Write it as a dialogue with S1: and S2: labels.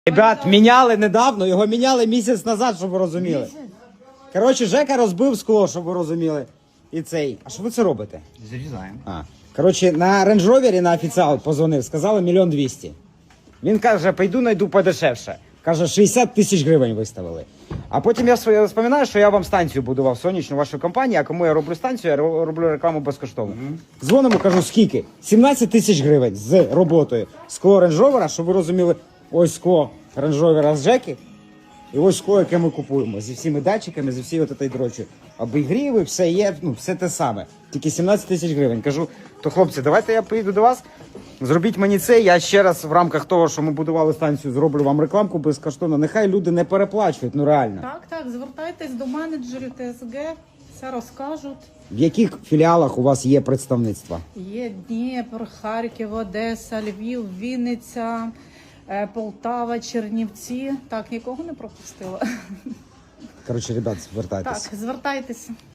S1: Ребят, міняли недавно, його міняли місяць назад, щоб ви розуміли. Коротше, Жека розбив скло, щоб ви розуміли. І цей. А що ви це робите?
S2: Зарізаємо.
S1: Коротше, на Range Rover на офіціал позвонив, сказали 1 200 000. Він каже, пойду найду подешевше. Каже, 60 тисяч гривень виставили. А потім я вспоминаю, що я вам станцію будував сонячну вашу компанію, а кому я роблю станцію, я роблю рекламу безкоштовно. Дзвонимо, кажу, скільки? 17 тисяч гривень з роботою. Скло Range Rover, щоб ви розуміли, ось скло Range Rover з Жеки, і ось скло, яке ми купуємо, зі всіми датчиками, зі всією цією дрочою. Обігріви, все є, ну, все те саме. Тільки 17 тисяч гривень. Кажу, то хлопці, давайте я поїду до вас, зробіть мені це, я ще раз в рамках того, що ми будували станцію, зроблю вам рекламку безкоштовно. Нехай люди не переплачують, ну реально.
S3: Так, звертайтесь до менеджерів ТСГ, все розкажуть.
S1: В яких філіалах у вас є представництва?
S3: Є Дніпро, Харків, Одеса, Львів, Вінниця, Полтава, Чернівці. Так, нікого не пропустила.
S1: Коротше, ребят, звертайтеся.
S3: Так, звертайтеся.